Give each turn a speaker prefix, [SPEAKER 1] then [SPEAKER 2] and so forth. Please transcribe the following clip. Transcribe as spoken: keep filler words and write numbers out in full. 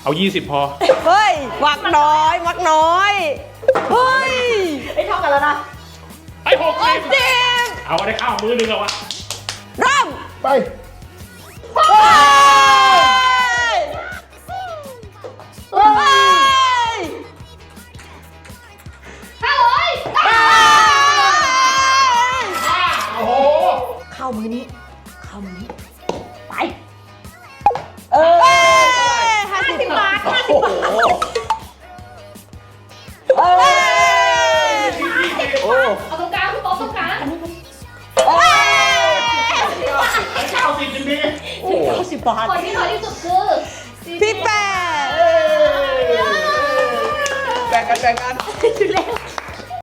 [SPEAKER 1] เอายี่สิบพอ
[SPEAKER 2] เฮ้ยมักน้อยมักน้อยเฮ้ย
[SPEAKER 3] ไอ้เท่ากันแล้วนะ
[SPEAKER 1] ไอ้หกสิบ
[SPEAKER 2] เจ็บ
[SPEAKER 1] เอาได้ข้าวมือหนึ่งแล้ววะ
[SPEAKER 2] เริ่ม
[SPEAKER 4] ไป
[SPEAKER 2] เฮ้ยเฮ้ย
[SPEAKER 3] ห้าร้อย
[SPEAKER 2] เฮ้ย
[SPEAKER 1] โอ้โห
[SPEAKER 3] เข้ามือนี้ เข้ามือนี้ ไป
[SPEAKER 2] เอ้ยห้าสิบบาท
[SPEAKER 3] ห้าสิบบาท
[SPEAKER 2] เอ้ย
[SPEAKER 4] โอ้
[SPEAKER 3] เอาตรงกลางพี่ป๊อปตรงกลาง
[SPEAKER 2] เอ้ย
[SPEAKER 1] ไอ้เก้าสิบจริง
[SPEAKER 2] โอ้โหเก้าสิบบาท
[SPEAKER 3] คนที่น้อยที่สุดคือ
[SPEAKER 2] พี่แปด
[SPEAKER 4] แบ่งกันแบ่งกัน
[SPEAKER 3] แล้ว